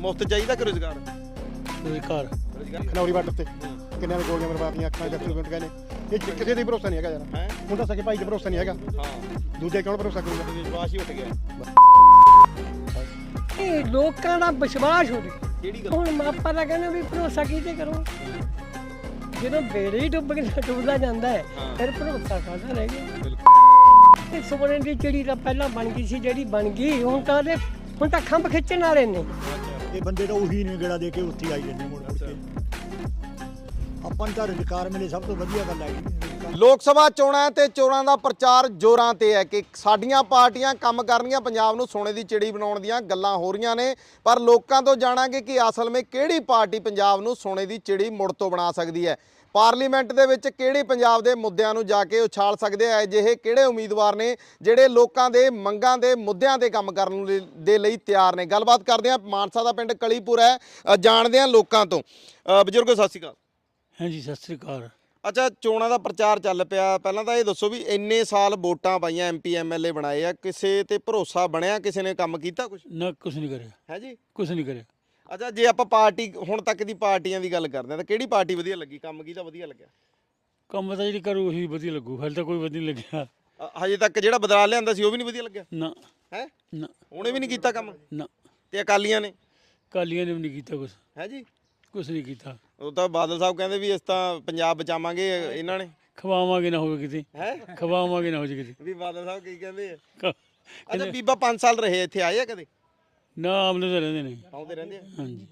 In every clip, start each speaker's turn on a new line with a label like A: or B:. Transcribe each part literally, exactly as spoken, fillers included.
A: ਮੁਫਤ ਚਾਹੀਦਾ ਕਿ ਰੁਜ਼ਗਾਰ?
B: ਰੁਜ਼ਗਾਰ
A: ਰੁਜ਼ਗਾਰ
C: ਖਨੌਰੀ ਬਾਰਡਰ ਤੇ ਕਿੰਨਿਆਂ ਦੇ ਗੋਲੀਆਂ ਮਰਵਾਤੀਆਂ ਅੱਖਾਂ ਚ ਅੱਥਰੂ ਗਏ ਨੇ। ਇਹ ਚ- ਕਿਸੇ ਦੇ ਭਰੋਸਾ ਨਹੀਂ ਹੈਗਾ ਯਾਰ।
A: ਹੈ
C: ਹੁਣ ਤਾਂ ਸਕੇ ਭਾਈ ਤੇ ਭਰੋਸਾ ਨਹੀਂ ਹੈਗਾ,
A: ਹਾਂ
C: ਦੂਜੇ ਕੌਣ ਭਰੋਸਾ ਕਰੂਗਾ?
A: ਵਿਸ਼ਵਾਸ ਹੀ ਉੱਠ ਗਿਆ।
D: ਇਹ ਲੋਕਾਂ ਦਾ ਵਿਸ਼ਵਾਸ ਹੋ ਗਿਆ।
A: ਕਿਹੜੀ ਗੱਲ?
D: ਹੁਣ ਆਪਾਂ ਤਾਂ ਕਹਿੰਦੇ ਵੀ ਭਰੋਸਾ ਕਿਤੇ ਕਰੋ, ਜਦੋਂ ਬੇੜੇ ਹੀ ਡੁੱਬ ਕੇ ਡੁੱਬਦਾ ਜਾਂਦਾ ਹੈ ਫਿਰ ਭਰੋਸਾ ਕਾਹਦਾ ਰਹਿ ਗਿਆ। ਇਹ ਸੋਨੇ ਦੀ ਚਿੜੀ ਤਾਂ ਪਹਿਲਾਂ ਬਣ ਗਈ ਸੀ, ਜਿਹੜੀ ਬਣ ਗਈ ਹੁਣ ਤਾਂ ਉਹਦੇ ਹੁਣ ਤਾਂ ਖੰਭ ਖਿੱਚਣ ਵਾਲੇ ਨੇ।
B: ਇਹ ਬੰਦੇ ਤਾਂ ਉਹੀ ਨੇ ਗੇੜਾ ਦੇ ਕੇ ਉੱਥੇ ਆਈ ਜਾਂਦੇ ਮੁੜ ਮੁੜ ਕੇ। ਆਪਾਂ ਨੂੰ ਤਾਂ ਰੁਜ਼ਗਾਰ ਮਿਲੇ ਸਭ ਤੋਂ ਵਧੀਆ ਗੱਲ ਹੈਗੀ।
A: ਲੋਕ ਸਭਾ ਚੋਣਾਂ ਤੇ ਚੋਣਾਂ ਦਾ ਪ੍ਰਚਾਰ ਜ਼ੋਰਾਂ ਤੇ ਹੈ ਕਿ ਸਾਡੀਆਂ ਪਾਰਟੀਆਂ ਕੰਮ ਕਰਨੀਆਂ, ਪੰਜਾਬ ਨੂੰ ਸੋਨੇ ਦੀ ਚਿੜੀ ਬਣਾਉਣ ਦੀਆਂ ਗੱਲਾਂ ਹੋ ਰਹੀਆਂ ਨੇ। ਪਰ ਲੋਕਾਂ ਤੋਂ ਜਾਣਾਂਗੇ ਕਿ ਅਸਲ ਵਿੱਚ ਕਿਹੜੀ ਪਾਰਟੀ ਪੰਜਾਬ ਨੂੰ ਸੋਨੇ ਦੀ ਚਿੜੀ ਮੁੜ ਤੋਂ ਬਣਾ ਸਕਦੀ ਹੈ। ਪਾਰਲੀਮੈਂਟ ਦੇ ਵਿੱਚ ਕਿਹੜੀ ਪੰਜਾਬ ਦੇ ਮੁੱਦਿਆਂ ਨੂੰ ਜਾ ਕੇ ਉਛਾਲ ਸਕਦੇ ਆ, ਅਜਿਹੇ ਕਿਹੜੇ ਉਮੀਦਵਾਰ ਨੇ ਜਿਹੜੇ ਲੋਕਾਂ ਦੇ ਮੰਗਾਂ ਦੇ ਮੁੱਦਿਆਂ ਤੇ ਕੰਮ ਕਰਨ ਲਈ- ਦੇ ਲਈ ਤਿਆਰ ਨੇ। ਗੱਲਬਾਤ ਕਰਦੇ ਆ, ਮਾਨਸਾ ਦਾ ਪਿੰਡ ਕਲੀਪੁਰ ਹੈ, ਅ, ਜਾਣਦੇ ਆ ਲੋਕਾਂ ਤੋਂ। ਅ, ਬਜ਼ੁਰਗੋ ਸਤਿ ਸ਼੍ਰੀ ਅਕਾਲ।
B: ਹਾਂਜੀ ਸਤਿ ਸ੍ਰੀ ਅਕਾਲ।
A: ਅੱਛਾ, ਚੋਣਾਂ ਦਾ ਪ੍ਰਚਾਰ ਚੱਲ ਪਿਆ, ਪਹਿਲਾਂ ਤਾਂ ਇਹ ਦੱਸੋ ਵੀ ਇੰਨੇ ਸਾਲ ਵੋਟਾਂ ਪਾਈਆਂ, ਐਮਪੀ ਐਮਐਲਏ ਬਣਾਏ ਆ, ਕਿਸੇ ਤੇ ਭਰੋਸਾ ਬਣਿਆ? ਕਿਸੇ ਨੇ ਕੰਮ ਕੀਤਾ ਕੁਝ?
B: ਨਾ ਕੁਛ ਨਹੀਂ ਕਰਿਆ,
A: ਹੈ ਜੀ।
B: ਕੁਛ ਨਹੀਂ ਕਰਿਆ।
A: ਅੱਛਾ, ਜੇ ਆਪਾਂ ਪਾਰਟੀ ਹੁਣ ਤੱਕ ਦੀ ਪਾਰਟੀਆਂ ਦੀ ਗੱਲ ਕਰਦੇ ਆ ਤਾਂ ਕਿਹੜੀ ਪਾਰਟੀ ਵਧੀਆ ਲੱਗੀ? ਕੰਮ ਕਿਹਦਾ ਵਧੀਆ ਲੱਗਿਆ?
B: ਕੰਮ ਤਾਂ ਜਿਹੜੀ ਕਰੂ ਉਹੀ ਵਧੀਆ ਲੱਗੂ, ਹਾਲੇ ਤਾਂ ਕੋਈ ਵਧੀਆ ਨਹੀਂ ਲੱਗਿਆ।
A: ਅ, ਹਜੇ ਤੱਕ ਜਿਹੜਾ ਬਦਲਾ ਲਿਆਂਦਾ ਸੀ ਉਹ ਵੀ ਨਹੀਂ ਵਧੀਆ ਲੱਗਿਆ?
B: ਨਾ
A: ਹੈ
B: ਨਾ
A: ਉਹਨੇ ਵੀ ਨਹੀਂ ਕੀਤਾ ਕੰਮ?
B: ਨਾ
A: ਤੇ ਅਕਾਲੀਆਂ ਨੇ?
B: ਕਾਲੀਆਂ ਨੇ ਵੀ ਨਹੀਂ ਕੀਤਾ ਕੁਛ,
A: ਹੈ ਜੀ।
B: ਕੁਛ ਨਹੀਂ ਕੀਤਾ।
A: ਉਹ ਤਾਂ ਬਾਦਲ ਸਾਹਿਬ ਕਹਿੰਦੇ ਵੀ ਇਸ ਤਾਂ ਪੰਜਾਬ ਬਚਾਵਾਂਗੇ, ਇਹਨਾਂ ਨੇ।
B: ਖਵਾਵਾਂਗੇ ਨਾ ਹੋਵੇ ਕਿਤੇ,
A: ਹੈ
B: ਖਵਾਵਾਂਗੇ ਨਾ ਹੋ ਜੇ ਕਿਤੇ।
A: ਵੀ ਬਾਦਲ ਸਾਹਿਬ ਕੀ ਕਹਿੰਦੇ ਆ?
B: ਕ-
A: ਅੱਛਾ, ਬੀਬਾ ਪੰਜ ਸਾਲ ਰਹੇ ਇੱਥੇ, ਆਏ ਆ ਕਦੇ?
B: ਨਾ ਆਮਲੇ ਤਾਂ ਰਹਿੰਦੇ ਨੇ।
A: ਆਉਂਦੇ ਰਹਿੰਦੇ ਆ।
B: ਹਾਂਜੀ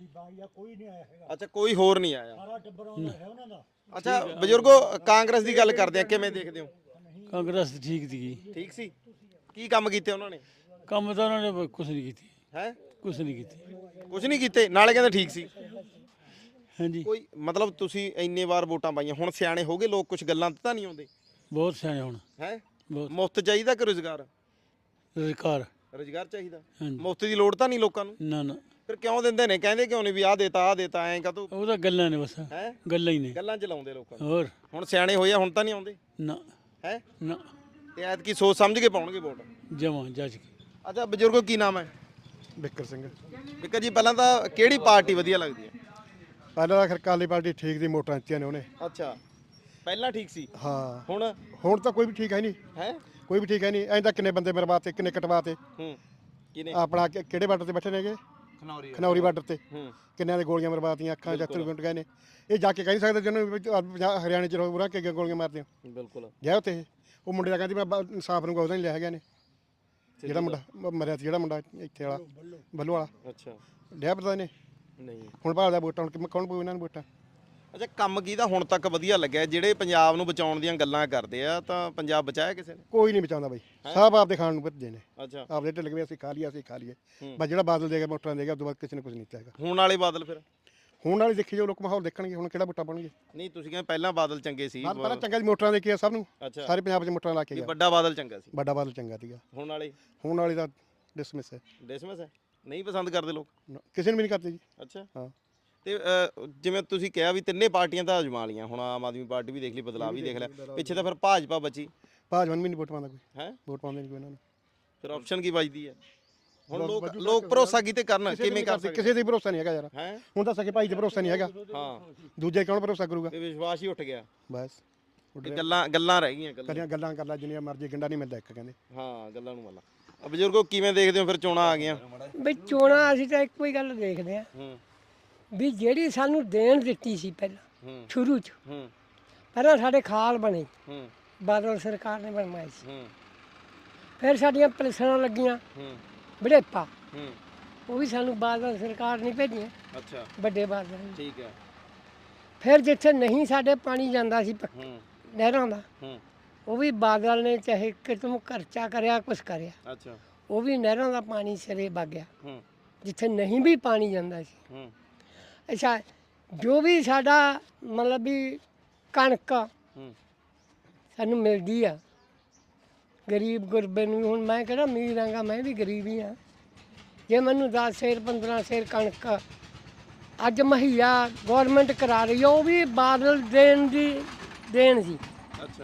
A: ਅੱਛਾ, ਕੋਈ ਹੋਰ ਨਹੀਂ ਆਇਆ। ਅੱਛਾ ਬਜ਼ੁਰਗੋ, ਕਾਂਗਰਸ ਦੀ ਗੱਲ ਕਰਦੇ ਆ, ਕਿਵੇਂ ਦੇਖਦੇ ਹੋ?
B: ਕਾਂਗਰਸ ਠੀਕ ਸੀਗੀ,
A: ਠੀਕ ਸੀ। ਕੀ ਕੰਮ ਕੀਤੇ ਉਹਨਾਂ ਨੇ?
B: ਕੰਮ ਤਾਂ ਉਹਨਾਂ ਨੇ ਕੁਛ ਨਹੀਂ ਕੀਤੀ,
A: ਹੈ
B: ਕੁਛ ਨਹੀਂ ਕੀਤੀ।
A: ਕੁਝ ਨਹੀਂ ਕੀਤੇ, ਨਾਲੇ ਕਹਿੰਦੇ ਠੀਕ ਸੀ।
B: ਹਾਂਜੀ
A: ਕੋਈ ਮਤਲਬ ਤੁਸੀਂ ਇੰਨੇ ਵਾਰ ਵੋਟਾਂ ਪਾਈਆਂ, ਹੁਣ ਸਿਆਣੇ ਹੋ ਗਏ ਲੋਕ, ਕੁਝ ਗੱਲਾਂ ਤੇ ਤਾਂ ਨਹੀਂ ਆਉਂਦੇ?
B: ਬਹੁਤ ਸਿਆਣੇ ਹੁਣ,
A: ਹੈ
B: ਬਹੁਤ।
A: ਮੁਫਤ ਚਾਹੀਦਾ ਕਿ ਰੁਜ਼ਗਾਰ?
B: ਰੁਜ਼ਗਾਰ
A: ਰੁਜ਼ਗਾਰ ਚਾਹੀਦਾ।
B: ਹਾਂਜੀ।
A: ਮੁਫਤ ਦੀ ਲੋੜ ਤਾਂ ਨਹੀਂ ਲੋਕਾਂ ਨੂੰ?
B: ਨਾ ਨਾ
A: ਫਿਰ ਕਿਉਂ ਦਿੰਦੇ ਨੇ? ਕਹਿੰਦੇ ਕਿਉਂ ਨਹੀਂ ਵੀ ਆਹ ਦੇਤਾ ਆਹ ਦੇਤਾ, ਐਂ ਕਾਹਤੋਂ?
B: ਉਹ ਤਾਂ ਗੱਲਾਂ ਨੇ ਬਸ,
A: ਹੈ
B: ਗੱਲਾਂ ਹੀ ਨੇ।
A: ਗੱਲਾਂ ਚ ਲਾਉਂਦੇ ਲੋਕਾਂ ਨੂੰ।
B: ਹੋਰ
A: ਹੁਣ ਸਿਆਣੇ ਹੋਏ ਆ, ਹੁਣ ਤਾਂ ਨਹੀਂ ਆਉਂਦੇ?
B: ਨਾ
A: ਹੈ
B: ਨਾ
A: ਤੇ ਐਤਕੀ ਸੋਚ ਸਮਝ ਕੇ ਪਾਉਣਗੇ ਵੋਟ।
B: ਜਮਾਂ ਜੱਜ ਕੇ।
A: ਅੱਛਾ ਬਜ਼ੁਰਗੋ, ਕੀ ਨਾਮ ਹੈ?
C: ਬਿੱਕਰ ਸਿੰਘ।
A: ਬਿੱਕਰ ਜੀ, ਪਹਿਲਾਂ ਤਾਂ ਕਿਹੜੀ ਪਾਰਟੀ ਵਧੀਆ ਲੱਗਦੀ ਹੈ?
C: ਪਹਿਲਾਂ ਤਾਂ ਖੈਰ ਕਾਲੀ ਪਾਰਟੀ ਠੀਕ ਦੀ, ਮੋਟਰਾਂ ਦਿੱਤੀਆਂ ਨੇ ਉਹਨੇ।
A: ਅੱਛਾ, ਪਹਿਲਾਂ ਠੀਕ ਸੀ।
C: ਹਾਂ,
A: ਹੁਣ
C: ਹੁਣ ਤਾਂ ਕੋਈ ਵੀ ਠੀਕ ਹੈ ਨਹੀਂ,
A: ਹੈ
C: ਕੋਈ ਵੀ ਠੀਕ ਹੈ ਨਹੀਂ। ਐਂ ਤਾਂ ਕਿੰਨੇ ਬੰਦੇ ਮਰਵਾਤੇ, ਕਿੰਨੇ ਕਟਵਾਤੇ।
A: ਹੂੰ ਕਿਨੇ?
C: ਆਪਣਾ ਕਿ- ਕਿਹੜੇ ਬਾਰਡਰ ਤੇ ਬੈਠੇ ਨੇਗੇ?
A: ਖਨੌਰੀ।
C: ਖਨੌਰੀ ਬਾਰਡਰ ਤੇ
A: ਹੂੰ
C: ਕਿੰਨਿਆਂ ਦੇ ਗੋਲੀਆਂ ਮਰਵਾਤੀਆਂ ਅੱਖਾਂ ਚ ਅੱਥਰੂ ਗਏ ਨੇ। ਇਹ ਜਾ ਕੇ ਕਹਿ ਨਹੀਂ ਸਕਦੇ ਜਿਹਨਾਂ ਨੂੰ ਪੰਜਾਬ ਹਰਿਆਣੇ ਚ ਰੋਰਾ ਕੇ ਗੋਲੀਆਂ ਮਾਰਦੇ ਹੋ।
A: ਬਿਲਕੁਲ।
C: ਗਿਆ ਉੱਥੇ ਇਹ। ਉਹ ਮੁੰਡੇ ਦਾ ਕਹਿੰਦੀ ਮੈਂ ਬ- ਇਨਸਾਫ ਨੂੰ ਉਹਦਾ ਨਹੀਂ ਲਿਆ ਹੈਗਾ ਨੇ, ਜਿਹੜਾ ਮੁੰਡਾ ਮ- ਮਰਿਆ ਸੀ, ਜਿਹੜਾ ਮੁੰਡਾ ਇੱਥੇ ਵਾਲਾ ਬੱਲੂ ਵਾਲਾ,
A: ਅੱਛਾ,
C: ਲਿਆ ਪਤਾ ਨੇ।
A: ਨਹੀਂ।
C: ਹੁਣ ਭਾਲਦਾ ਵੋਟਾਂ, ਹੁਣ ਕੌਣ ਪਊ ਇਹਨਾਂ ਨੂੰ ਵੋਟਾਂ?
A: ਅੱਛਾ, ਕੰਮ ਕਿਹਦਾ ਹੁਣ ਤੱਕ ਵਧੀਆ ਲੱਗਿਆ? ਜਿਹੜੇ ਪੰਜਾਬ ਨੂੰ ਬਚਾਉਣ ਦੀਆਂ ਗੱਲਾਂ ਕਰਦੇ ਆ, ਤਾਂ ਪੰਜਾਬ ਬਚਾਇਆ ਕਿਸੇ ਨੇ?
C: ਕੋਈ ਨਹੀਂ ਬਚਾਉਂਦਾ ਬਾਈ, ਸਭ ਆਪਦੇ ਖਾਣ ਨੂੰ ਭੱਜੇ ਨੇ।
A: ਅੱਛਾ,
C: ਆਪਦੇ ਢਿੱਲ ਵੀ ਅਸੀਂ ਖਾ ਲਿਆ, ਅਸੀਂ ਖਾ ਲਈਏ ਬਸ। ਜਿਹੜਾ ਬਾਦਲ ਦੇਗਾ ਮੋਟਰਾਂ ਦੇਗਾ, ਉਸ ਤੋਂ ਬਾਅਦ ਕਿਸੇ ਨੇ ਕੁਝ ਨਹੀਂ ਚਾਹੇਗਾ।
A: ਹੁਣ ਵਾਲੇ ਬਾਦਲ ਫਿਰ?
C: ਹੁਣ ਵਾਲੀ ਦੇਖੀ ਜੋ ਲੋਕ ਮਾਹੌਲ ਦੇਖਣਗੇ, ਹੁਣ ਕਿਹੜਾ ਵੋਟਾਂ ਪਾਉਣਗੇ।
A: ਨਹੀਂ, ਤੁਸੀਂ ਕਹਿੰਦੇ ਪਹਿਲਾਂ ਬਾਦਲ ਚੰਗੇ ਸੀ।
C: ਬਾਦ ਪਹਿਲਾਂ ਚੰਗਾ ਸੀ, ਮੋਟਰਾਂ ਦੇਖੀਆਂ ਸਭ ਨੂੰ,
A: ਅੱਛਾ,
C: ਸਾਰੇ ਪੰਜਾਬ 'ਚ ਮੋਟਰਾਂ ਲਾ ਕੇ
A: ਵੀ
C: ਗਿਆ।
A: ਵੱਡਾ ਬਾਦਲ ਚੰਗਾ ਸੀ।
C: ਵੱਡਾ ਬਾਦਲ ਚੰਗਾ ਸੀਗਾ।
A: ਹੁਣ ਵਾਲੇ?
C: ਹੁਣ ਵਾਲੀ ਦਾ ਡਿਸਮਿਸ ਹੈ,
A: ਡਿਸਮਿਸ ਹੈ, ਨਹੀਂ ਪਸੰਦ ਕਰਦੇ ਲੋਕ?
C: ਨਾ, ਕਿਸੇ ਨੂੰ ਵੀ ਨਹੀਂ ਕਰਦੇ ਜੀ।
A: ਅੱਛਾ।
C: ਹਾਂ,
A: ਤੇ ਅ, ਜਿਵੇਂ ਤੁਸੀਂ ਕਿਹਾ ਵੀ ਤਿੰਨੇ ਪਾਰਟੀਆਂ ਤਾਂ ਅਜਮਾ ਲੀਆਂ, ਹੁਣ ਆਮ ਆਦਮੀ ਪਾਰਟੀ ਵੀ ਦੇਖ ਲਈ, ਬਦਲਾਅ ਵੀ ਦੇਖ ਲਿਆ, ਪਿੱਛੇ ਤਾਂ ਫਿਰ ਭਾਜਪਾ ਬਚੀ।
C: ਭਾਜਪਾ ਨੂੰ ਵੀ ਨਹੀਂ ਵੋਟ ਪਾਉਂਦਾ ਕੋਈ,
A: ਹੈ
C: ਵੋਟ ਪਾਉਂਦੇ ਨਹੀਂ ਕੋਈ ਇਹਨਾਂ ਨੂੰ।
A: ਫਿਰ ਆਪਸ਼ਨ ਕੀ ਬਚਦੀ ਹੈ? ਹੁਣ ਲੋਕ ਲੋਕ ਭਰੋਸਾ ਕੀਤੇ ਕਰਨ, ਕਿਵੇਂ ਕਰ ਸਕਦੇ?
C: ਕਿਸੇ ਤੇ ਭਰੋਸਾ ਨਹੀਂ ਹੈਗਾ ਯਾਰ।
A: ਹੈ
C: ਹੁਣ ਤਾਂ ਸਕੇ ਭਾਈ ਤੇ ਭਰੋਸਾ ਨਹੀਂ ਹੈਗਾ,
A: ਹਾਂ,
C: ਦੂਜੇ ਕੌਣ ਭਰੋਸਾ ਕਰੂਗਾ?
A: ਤੇ ਵਿਸ਼ਵਾਸ ਹੀ ਉੱਠ ਗਿਆ।
C: ਬਸ
A: ਇਹ ਗੱਲਾਂ ਗੱਲਾਂ ਰਹਿ ਗਈਆਂ, ਗੱਲਾਂ।
C: ਕਰੀਆਂ ਗੱਲਾਂ ਕਰ ਲੈ ਜਿੰਨੀਆਂ ਮਰਜ਼ੀ, ਗੰਡਾ ਨਹੀਂ ਮਿਲਦਾ ਇੱਕ ਕਹਿੰਦੇ।
A: ਹਾਂ, ਗੱਲਾਂ ਨੂੰ ਮੰਨ। ਬਜ਼ੁਰਗੋ, ਕਿਵੇਂ ਦੇਖਦੇ ਹੋ ਫਿਰ ਚੋਣਾਂ ਆ ਗਈਆਂ?
D: ਵੀ ਚੋਣਾਂ ਅਸੀਂ ਤਾਂ ਇੱਕੋ ਹੀ ਗੱਲ ਦੇਖਦੇ ਆ
A: ਹੂੰ
D: ਵੀ ਜਿਹੜੀ ਸਾਨੂੰ ਦੇਣ ਦਿੱਤੀ ਸੀ ਪਹਿਲਾਂ
A: ਹੂੰ
D: ਸ਼ੁਰੂ 'ਚ,
A: ਹੂੰ
D: ਪਹਿਲਾਂ ਸਾਡੇ ਖਾਲ ਬਣੇ,
A: ਹੂੰ
D: ਬਾਦਲ ਸਰਕਾਰ ਨੇ ਬਣਵਾਈ ਸੀ।
A: ਹੂੰ
D: ਫਿਰ ਸਾਡੀਆਂ ਪੈਨਸ਼ਨਾਂ ਲੱਗੀਆਂ,
A: ਹੂੰ
D: ਬੜੇਪਾ,
A: ਹੂੰ
D: ਉਹ ਵੀ ਸਾਨੂੰ ਬਾਦਲ ਸਰਕਾਰ ਨਹੀਂ ਭੇਜੀਆਂ,
A: ਅੱਛਾ,
D: ਵੱਡੇ ਬਾਦਲ ਨੇ।
A: ਠੀਕ ਹੈ।
D: ਫਿਰ ਜਿੱਥੇ ਨਹੀਂ ਸਾਡੇ ਪਾਣੀ ਜਾਂਦਾ ਸੀ ਪ-
A: ਹੂੰ
D: ਨਹਿਰਾਂ ਦਾ,
A: ਹੂੰ
D: ਉਹ ਵੀ ਬਾਦਲ ਨੇ ਚਾਹੇ ਕਿਤੋਂ ਖਰਚਾ ਕਰਿਆ, ਕੁਛ ਕਰਿਆ,
A: ਅੱਛਾ।
D: ਉਹ ਵੀ ਨਹਿਰਾਂ ਦਾ ਪਾਣੀ ਸਿਰੇ ਵਗ ਗਿਆ,
A: ਹੂੰ
D: ਜਿੱਥੇ ਨਹੀਂ ਵੀ ਪਾਣੀ ਜਾਂਦਾ ਸੀ।
A: ਹੂੰ
D: ਅੱਛਾ, ਜੋ ਵੀ ਸਾਡਾ ਮਤਲਬ ਵੀ ਕਣਕ
A: ਹੂੰ
D: ਸਾਨੂੰ ਮਿਲਦੀ ਆ, ਗਰੀਬ ਗੁਰਬੇ ਨੂੰ, ਹੁਣ ਮੈਂ ਕਿਹੜਾ ਅਮੀਰ ਆਂਗਾ, ਮੈਂ ਵੀ ਗਰੀਬ ਹੀ ਹਾਂ। ਜੇ ਮੈਨੂੰ ਦਸ ਸੇਰ ਪੰਦਰਾਂ ਸੇਰ ਕਣਕ ਅੱਜ ਮੁਹੱਈਆ ਗੌਰਮੈਂਟ ਕਰਾ ਰਹੀ ਆ, ਉਹ ਵੀ ਬਾਦਲ ਦੇਣ ਦੀ ਦੇਣ ਸੀ।
A: ਅੱਛਾ।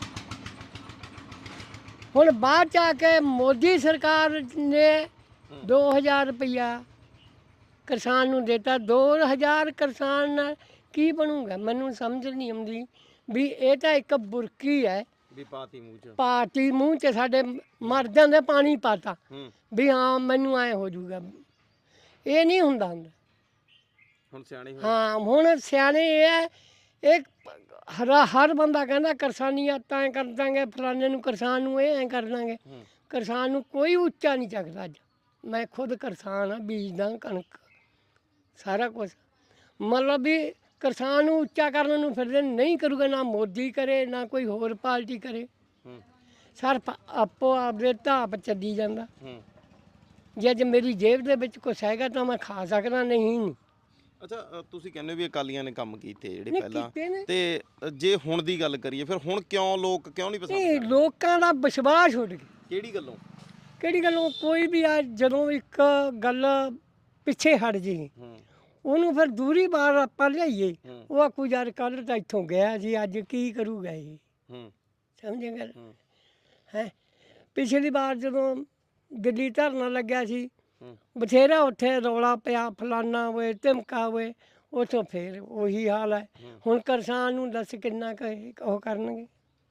D: ਹੁਣ ਬਾਅਦ ਚ ਆ ਕੇ ਮੋਦੀ ਸਰਕਾਰ ਨੇ ਦੋ ਹਜ਼ਾਰ ਰੁਪਈਆ ਕਿਸਾਨ ਨੂੰ ਦਿੱਤਾ ਦੋ ਹਜ਼ਾਰ ਕਿਸਾਨ ਨਾਲ ਕੀ ਬਣੂਗਾ? ਮੈਨੂੰ ਸਮਝ ਨਹੀਂ ਆਉਂਦੀ ਵੀ ਇਹ ਤਾਂ ਇੱਕ ਬੁਰਕੀ ਹੈ
A: ਵੀ ਪਾਤੀ ਮੂੰਹ ਚ।
D: ਪਾਤੀ ਮੂੰਹ 'ਚ ਸਾਡੇ ਮਰ ਜਾਂਦੇ ਪਾਣੀ ਪਾਤਾ
A: ਹੂੰ
D: ਵੀ ਹਾਂ ਮੈਨੂੰ ਐ ਹੋ ਜਾਊਗਾ। ਇਹ ਨਹੀਂ ਹੁੰਦਾ ਹੁੰਦਾ।
A: ਹੁਣ ਸਿਆਣੇ ਹੋਏ।
D: ਹਾਂ ਹੁਣ ਸਿਆਣੇ ਇਹ ਹੈ, ਇਹ ਹਰ ਹਰ ਬੰਦਾ ਕਹਿੰਦਾ ਕਿਸਾਨੀਆਂ ਤਾਂ ਕਰ ਦਾਂਗੇ, ਫਲਾਣੇ ਨੂੰ ਕਿਸਾਨ ਨੂੰ ਇਹ ਐਂ ਕਰ ਦਾਂਗੇ।
A: ਹੂੰ
D: ਕਿਸਾਨ ਨੂੰ ਕੋਈ ਉੱਚਾ ਨਹੀਂ ਚੱਕਦਾ। ਅੱਜ ਮੈਂ ਖੁਦ ਕਿਸਾਨ ਆ, ਬੀਜਦਾ ਕਣਕ ਸਾਰਾ ਕੁਝ। ਮਤਲਬ ਵੀ ਕਿਸਾਨ ਨੂੰ ਉੱਚਾ ਕਰਨ ਨੂੰ ਫਿਰਦੇ ਨਹੀਂ ਕਰੂਗਾ, ਨਾ ਮੋਦੀ ਕਰੇ ਨਾ ਕੋਈ ਹੋਰ ਪਾਰਟੀ ਕਰੇ।
A: ਹੂੰ
D: ਸਿਰਫ ਆਪੋ ਆਪਦੇ ਧਾਪ ਚੱਲੀ ਜਾਂਦਾ।
A: ਹੂੰ
D: ਜੇ ਅੱਜ ਮੇਰੀ ਜੇਬ ਦੇ ਵਿੱਚ ਕੁਛ ਹੈਗਾ ਤਾਂ ਮੈਂ ਖਾ ਸਕਦਾ, ਨਹੀਂ ਨਹੀਂ
A: ਅੱਛਾ ਅ, ਤੁਸੀਂ ਕਹਿੰਦੇ ਹੋ ਵੀ ਅਕਾਲੀਆਂ ਨੇ ਕੰਮ ਕੀਤੇ ਜਿਹੜੇ
D: ਨਹੀਂ
A: ਪਹਿਲਾਂ,
D: ਕੀਤੇ ਨੇ।
A: ਤੇ ਅ, ਜੇ ਹੁਣ ਦੀ ਗੱਲ ਕਰੀਏ ਫਿਰ ਹੁਣ ਕਿਉਂ ਲੋਕ ਕਿਉਂ ਨਹੀਂ ਪਸੰਦ
D: ਇਹ
A: ਕਰਦੇ?
D: ਲੋਕਾਂ ਦਾ ਵਿਸ਼ਵਾਸ ਉੱਡ ਗਿਆ।
A: ਕਿਹੜੀ ਗੱਲੋਂ?
D: ਕਿਹੜੀ ਗੱਲੋਂ? ਕੋਈ ਵੀ ਆ ਜਦੋਂ ਇੱਕ ਗੱਲ ਪਿੱਛੇ ਹਟ ਜੇ
A: ਹੂੰ
D: ਉਹਨੂੰ ਫਿਰ ਦੂਰੀ ਬਾਰ ਆਪਾਂ ਲਿਆਈਏ,
A: ਹੂੰ
D: ਉਹ ਆਖੂ ਯਾਰ ਕੱਲ੍ਹ ਤਾਂ ਇੱਥੋਂ ਗਿਆ ਜੀ, ਅੱਜ ਕੀ ਕਰੂਗਾ ਇਹ?
A: ਹੂੰ
D: ਸਮਝੇ ਗੱਲ
A: ਹੂੰ
D: ਹੈ? ਪਿਛਲੀ ਵਾਰ ਜਦੋਂ ਦਿੱਲੀ ਧਰਨਾ ਲੱਗਿਆ ਸੀ,
A: ਹੂੰ
D: ਬਥੇਰਾ ਉੱਥੇ ਰੌਲਾ ਪਿਆ, ਫਲਾਨਾ ਹੋਏ ਧਮਕਾ ਹੋਏ, ਉੱਥੋਂ ਫੇਰ ਉਹੀ ਹਾਲ ਹੈ।
A: ਹੂੰ।
D: ਹੁਣ ਕਿਸਾਨ ਨੂੰ ਦੱਸ ਕਿੰਨਾ ਕੁ ਇਹ ਉਹ ਕਰਨਗੇ?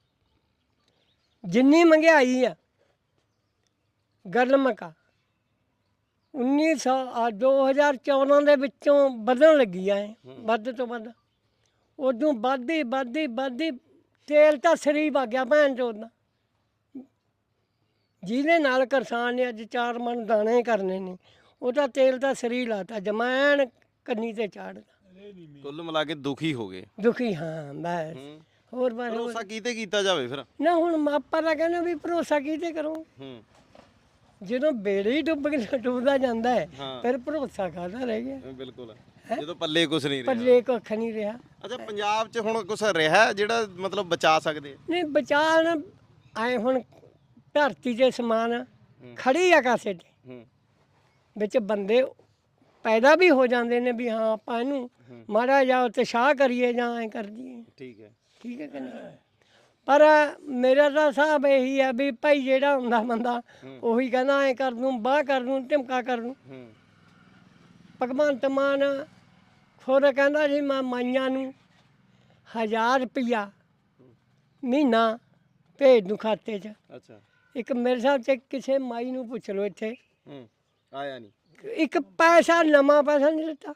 D: ਜਿੰਨੀ ਮਹਿੰਗਾਈ ਆ ਗੱਲ ਮਕਾ ਉੱਨੀ ਸੌ ਆ ਦੋ ਹਜ਼ਾਰ ਚੌਦਾਂ ਦੇ ਵਿੱਚੋਂ ਵਧਣ ਲੱਗੀ ਆ ਇਹ, ਵੱਧ ਤੋਂ ਵੱਧ। ਉਦੋਂ ਵੱਧਦੀ ਵੱਧਦੀ ਵੱਧਦੀ ਤੇਲ ਤਾਂ ਸਰੀ ਵਗ ਗਿਆ ਭੈਣ ਚੋਦ ਦਾ। ਜਿਹਦੇ ਨਾਲ ਕਿਸਾਨ ਨੇ ਅੱਜ ਚਾਰ ਮਣ ਦਾਣੇ ਕਰਨੇ ਨੇ, ਉਹ ਤਾਂ ਤੇਲ ਤਾਂ ਸਰੀ ਲਾਤਾ, ਜਮੈਣ ਕੰਨੀ ਤੇ ਚਾੜਦਾ।
A: ਕੁੱਲ ਮਿਲਾ ਕੇ ਦੁਖੀ ਹੋ ਗਏ।
D: ਦੁਖੀ ਹਾਂ ਬਸ।
A: ਹੂੰ
D: ਹੋਰ ਬਸ ਹੋਰ।
A: ਭਰੋਸਾ ਕੀਤੇ ਕੀਤਾ ਜਾਵੇ ਫਿਰ?
D: ਨਾ ਹੁਣ ਮਾਪਾ ਤਾਂ ਕਹਿੰਦੇ ਵੀ ਭਰੋਸਾ ਕਿਤੇ ਕਰੋ?
A: ਹੂੰ
D: ਜਦੋਂ ਬੇੜੇ ਹੀ ਡੁੱਬ ਕੇ ਡੁੱਬਦਾ ਜਾਂਦਾ ਹੈ,
A: ਹਾਂ।
D: ਫਿਰ ਭਰੋਸਾ ਕਾਹਦਾ ਰਹਿ ਗਿਆ?
A: ਇਹ ਬਿਲਕੁਲ ਜਦੋਂ ਪੱਲੇ ਕੁਝ ਨਹੀਂ ਰਿਹਾ।
D: ਪੱਲੇ ਕੁੱਖ ਨਹੀਂ ਰਿਹਾ।
A: ਅੱਛਾ ਪੰਜਾਬ 'ਚ ਹੁਣ ਕੁਝ ਰਿਹਾ ਜਿਹੜਾ ਮਤਲਬ ਬਚਾ ਸਕਦੇ?
D: ਨਹੀਂ ਬਚਾਣ ਆਏ ਹੁਣ ਧਰਤੀ 'ਤੇ ਸਮਾਨ ਖੜੀ ਆ ਕਾਸੇ 'ਤੇ,
A: ਹੂੰ
D: ਵਿੱਚ ਬੰਦੇ ਪੈਦਾ ਵੀ ਹੋ ਜਾਂਦੇ ਨੇ ਵੀ ਹਾਂ ਆਪਾਂ ਇਹਨੂੰ ਮਾੜਾ ਜਾ ਉਤਸ਼ਾਹ ਕਰੀਏ ਜਾਂ ਐਂ ਕਰ ਦਈਏ।
A: ਠੀਕ ਹੈ।
D: ਠੀਕ ਹੈ ਕਿ ਨਹੀਂ? ਪਰ ਮੇਰਾ ਤਾਂ ਹਿਸਾਬ ਇਹੀ ਆ ਵੀ ਭਾਈ ਜਿਹੜਾ ਹੁੰਦਾ ਬੰਦਾ ਉਹੀ ਕਹਿੰਦਾ ਐਂ ਕਰ ਦੂੰ, ਬਾਹ ਕਰ ਦੂੰ, ਧਮਕਾ ਕਰ ਦੂੰ।
A: ਹੂੰ
D: ਭਗਵੰਤ ਮਾਨ ਖੁਦ ਕਹਿੰਦਾ ਸੀ ਮੈਂ ਮਾਈਆਂ ਨੂੰ ਹਜ਼ਾਰ ਰੁਪਈਆ ਮਹੀਨਾ ਭੇਜ ਦੂੰ ਖਾਤੇ 'ਚ।
A: ਅੱਛਾ।
D: ਇੱਕ ਮੇਰੇ ਹਿਸਾਬ 'ਚ ਕਿਸੇ ਮਾਈ ਨੂੰ ਪੁੱਛ ਲਓ ਇੱਥੇ,
A: ਹੂੰ ਆਇਆ ਨਹੀਂ
D: ਇੱਕ ਪੈਸਾ ਨਵਾਂ ਪੈਸਾ ਨਹੀਂ ਦਿੱਤਾ।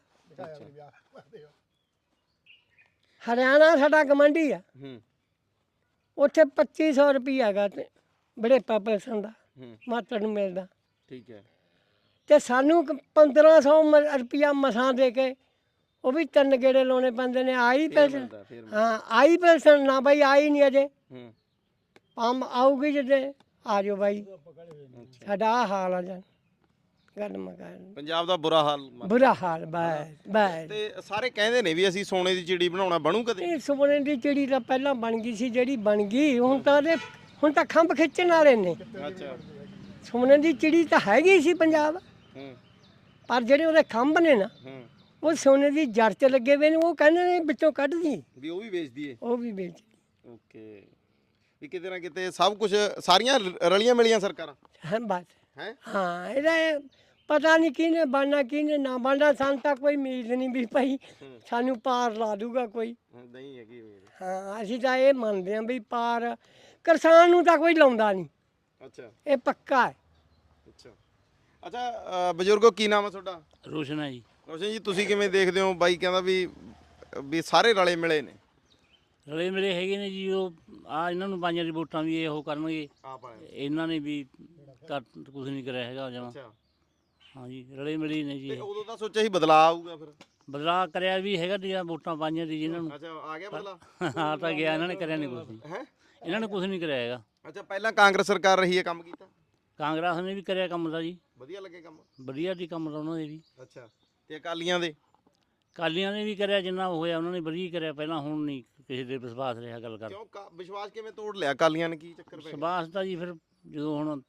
D: ਹਰਿਆਣਾ ਸਾਡਾ ਗਵਾਂਢੀ ਆ,
A: ਹੂੰ
D: ਉੱਥੇ ਪੱਚੀ ਸੌ ਰੁਪਈਆ ਹੈਗਾ ਤੇ ਬੜੇ ਪੈਸਾ ਦਾ
A: ਹੂੰ
D: ਮਾਤਰ ਨੂੰ ਮਿਲਦਾ,
A: ਠੀਕ ਹੈ।
D: ਤੇ ਸਾਨੂੰ ਪੰਦਰਾਂ ਸੌ ਰੁਪਈਆ ਮਸਾਂ ਦੇ ਕੇ ਉਹ ਵੀ ਤਿੰਨ ਗੇੜੇ ਲਾਉਣੇ ਪੈਂਦੇ ਨੇ। ਆਈ ਪੈਸਾ?
A: ਮਿਲਦਾ ਫਿਰ ਮਿਲਦਾ।
D: ਹਾਂ ਆਈ ਪੈਸਾ ਨਾ ਬਾਈ, ਆਈ ਨਹੀਂ ਅਜੇ।
A: ਹੂੰ
D: ਪੰਮ ਆਊਗੀ ਜਦੋਂ ਆ ਜਾਓ ਬਾਈ।
A: ਅੱਛਾ।
D: ਸਾਡਾ ਆਹ ਹਾਲ ਆ ਜਾਂ ਗੱਲ ਮਕਾਨ
A: ਪੰਜਾਬ ਦਾ ਬੁਰਾ ਹਾਲ ਮੰਨ-
D: ਬੁਰਾ ਹਾਲ ਬਸ ਬਸ।
A: ਤੇ ਸਾਰੇ ਕਹਿੰਦੇ ਨੇ ਵੀ ਅਸੀਂ ਸੋਨੇ ਦੀ ਚਿੜੀ ਬਣਾਉਣਾ, ਬਣੂ ਕਦੇ?
D: ਇਹ ਸੋਨੇ ਦੀ ਚਿੜੀ ਤਾਂ ਪਹਿਲਾਂ ਬਣ ਗਈ ਸੀ, ਜਿਹੜੀ ਬਣ ਗਈ ਹੁਣ ਤਾਂ ਉਹਦੇ ਹੁਣ ਤਾਂ ਖੰਭ ਖਿੱਚਣ ਵਾਲੇ ਨੇ।
A: ਅੱਛਾ।
D: ਸੋਨੇ ਦੀ ਚਿੜੀ ਤਾਂ ਹੈਗੀ ਸੀ ਪੰਜਾਬ,
A: ਹੂੰ
D: ਪਰ ਜਿਹੜੇ ਉਹਦੇ ਖੰਭ ਨੇ ਨਾ
A: ਹੂੰ
D: ਉਹ ਸੋਨੇ ਦੀ ਜੜ 'ਚ ਲੱਗੇ ਹੋਏ ਨੇ। ਉਹ ਕਹਿੰਦੇ ਨੇ ਵਿੱਚੋਂ ਕੱਢਦੀ,
A: ਵੀ ਉਹ ਵੀ ਵੇਚਦੀ ਏ?
D: ਉਹ ਵੀ ਵੇਚ।
A: ਓਕੇ। ਵੀ ਕਿਤੇ ਨਾ ਕਿਤੇ ਸਭ ਕੁਝ ਸਾਰੀਆਂ ਰ- ਰਲੀਆਂ ਮਿਲੀਆਂ ਸਰਕਾਰਾਂ
D: ਹਾਂ ਬਸ।
A: ਹੈ।
D: ਹਾਂ ਇਹਦਾ ਇਹ ਪਤਾ ਨਹੀਂ ਕਿਹਨੇ ਬਣਨਾ ਕਿਹਨੇ ਨਾ ਬਣਨਾ। ਸਾਨੂੰ ਤਾਂ ਕੋਈ ਉਮੀਦ ਨਹੀਂ ਵੀ ਭਾਈ ਸਾਨੂੰ ਪਾਰ ਲਾ ਦੂਗਾ ਕੋਈ।
A: ਨਹੀਂ ਹੈਗੀ ਉਮੀਦ।
D: ਹਾਂ ਅਸੀਂ ਤਾਂ ਇਹ ਮੰਨਦੇ ਹਾਂ ਵੀ ਪਾਰ ਕਿਸਾਨ ਨੂੰ ਤਾਂ ਕੋਈ ਲਾਉਂਦਾ ਨਹੀਂ,
A: ਅੱਛਾ
D: ਇਹ ਪੱਕਾ ਹੈ।
A: ਅੱਛਾ ਅੱਛਾ ਅ, ਬਜ਼ੁਰਗੋ ਕੀ ਨਾਮ ਹੈ ਤੁਹਾਡਾ?
E: ਰੋਸ਼ਨ ਹੈ ਜੀ।
A: ਰੋਸ਼ਨ ਜੀ ਤੁਸੀਂ ਕਿਵੇਂ ਦੇਖਦੇ ਹੋ? ਬਾਈ ਕਹਿੰਦਾ ਵੀ ਵੀ ਸਾਰੇ ਰਲੇ ਮਿਲੇ ਨੇ।
E: ਰਲੇ ਮਿਲੇ ਹੈਗੇ ਨੇ ਜੀ। ਉਹ ਆ ਇਹਨਾਂ ਨੂੰ ਪੰਜਾਂ ਦੀ ਵੋਟਾਂ ਵੀ ਇਹ ਉਹ ਕਰਨਗੇ,
A: ਆਪ ਆਏ।
E: ਇਹਨਾਂ ਨੇ ਵੀ ਤਾਂ ਕੁਝ ਨਹੀਂ ਕਰਿਆ ਹੈਗਾ ਜਮਾਂ।
A: ਅੱਛਾ।
E: ਹਾਂ ਜੀ ਰਲੇ ਮਿਲੇ ਨੇ ਜੀ।
A: ਤੇ ਉਦੋਂ ਤਾਂ ਸੋਚਿਆ ਸੀ ਬਦਲਾਅ ਆਊਗਾ ਫਿਰ।
E: ਬਦਲਾਅ ਕਰਿਆ ਵੀ ਹੈਗਾ ਜੀ, ਵੋਟਾਂ ਪਾਈਆਂ ਦੀ ਜਿਨ੍ਹਾਂ ਨੂੰ।
A: ਅੱਛਾ ਆ ਗਿਆ ਬਦਲਾਅ?
E: ਆ ਤਾਂ ਗਿਆ, ਇਹਨਾਂ ਨੇ ਕਰਿਆ ਨਹੀਂ ਕੁਝ।
A: ਹੈ।
E: ਇਹਨਾਂ ਨੇ ਕੁਝ ਨਹੀਂ ਕਰਿਆ ਹੈਗਾ।
A: ਅੱਛਾ ਪਹਿਲਾਂ ਕਾਂਗਰਸ ਸਰਕਾਰ ਰਹੀ ਹੈ, ਕੰਮ ਕੀਤਾ?
E: ਕਾਂਗਰਸ ਨੇ ਵੀ ਕਰਿਆ ਕੰਮ ਦਾ ਜੀ,
A: ਵਧੀਆ ਲੱਗੇ ਕੰਮ?
E: ਵਧੀਆ ਦੀ ਕੰਮ ਦਾ ਉਹਨਾਂ ਦੇ ਵੀ।
A: ਅੱਛਾ। ਤੇ ਅਕਾਲੀਆਂ ਦੇ?
E: ਕਾਲੀਆਂ ਨੇ ਵੀ ਕਰਿਆ ਜਿੰਨਾ ਹੋਇਆ ਉਹਨਾਂ ਨੇ ਵਧੀਆ ਕਰਿਆ ਪਹਿਲਾਂ। ਹੁਣ ਨਹੀਂ ਕਿਸੇ ਦੇ ਵਿਸ਼ਵਾਸ ਰਿਹਾ ਗੱਲ ਕਰ।
A: ਕਿਉਂ ਕਾ- ਵਿਸ਼ਵਾਸ ਕਿਵੇਂ ਤੋੜ ਲਿਆ ਅਕਾਲੀਆਂ ਨੇ? ਕੀ ਚੱਕਰ ਪੈ ਗਿਆ?
E: ਵਿਸ਼ਵਾਸ ਤਾਂ ਜੀ ਫਿਰ ਜਦੋਂ ਹੁਣ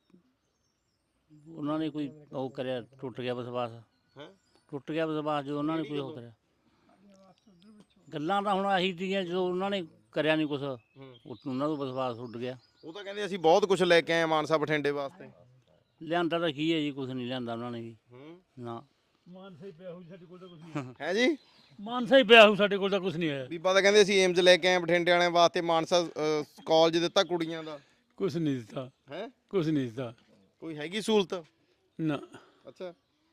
E: ਉਹਨਾਂ ਨੇ ਕੋਈ ਉਹ ਕਰਿਆ, ਟੁੱਟ ਗਿਆ ਵਿਸ਼ਵਾਸ।
A: ਹੈ।
E: ਟੁੱਟ ਗਿਆ ਵਿਸ਼ਵਾਸ ਜਦੋਂ ਉਹਨਾਂ ਨੇ ਕੋਈ ਉਹ ਕਰਿਆ। ਗੱਲਾਂ ਤਾਂ ਹੁਣ ਆਹੀ ਤੀਆਂ, ਜਦੋਂ ਉਹਨਾਂ ਨੇ ਕਰਿਆ ਨਹੀਂ ਕੁਛ,
A: ਹੂੰ।
E: ਉਹਨਾਂ ਦਾ ਵਿਸ਼ਵਾਸ ਉੱਡ ਗਿਆ।
A: ਉਹ ਤਾਂ ਕਹਿੰਦੇ ਅਸੀਂ ਬਹੁਤ ਕੁਝ ਲੈ ਕੇ ਆਏ ਮਾਨਸਾ ਬਠਿੰਡੇ ਵਾਸਤੇ।
E: ਲਿਆਂਦਾ ਤਾਂ ਕੀ ਹੈ ਜੀ, ਕੁਛ ਨਹੀਂ ਲਿਆਂਦਾ ਉਹਨਾਂ ਨੇ ਵੀ
A: ਹੂੰ।
E: ਨਾ।
F: ਮਾਨਸਾ ਹੀ ਪਿਆ ਹੋਊ ਸਾਡੇ ਕੋਲ ਤਾਂ ਕੁਝ ਨਹੀਂ
A: ਹੈ ਜੀ
F: ਮਾਨਸਾ ਹੀ ਪਿਆ ਹੋਊ ਸਾਡੇ ਕੋਲ ਤਾਂ ਕੁਝ ਨਹੀਂ ਆਇਆ
A: ਬੀਬਾ ਤਾਂ ਕਹਿੰਦੇ ਅਸੀਂ ਏਮਜ਼ ਲੈ ਕੇ ਆਏ ਬਠਿੰਡੇ ਵਾਲਿਆਂ ਵਾਸਤੇ ਮਾਨਸਾ ਕਾਲਜ ਦਿੱਤਾ ਕੁੜੀਆਂ ਦਾ
F: ਕੁਝ ਨਹੀਂ ਦਿੱਤਾ
A: ਹੈ
F: ਕੁਝ ਨਹੀਂ ਦਿੱਤਾ
A: ਕੋਈ ਹੈਗੀ ਸਹੂਲਤ
F: ਨਾ
A: ਅੱਛਾ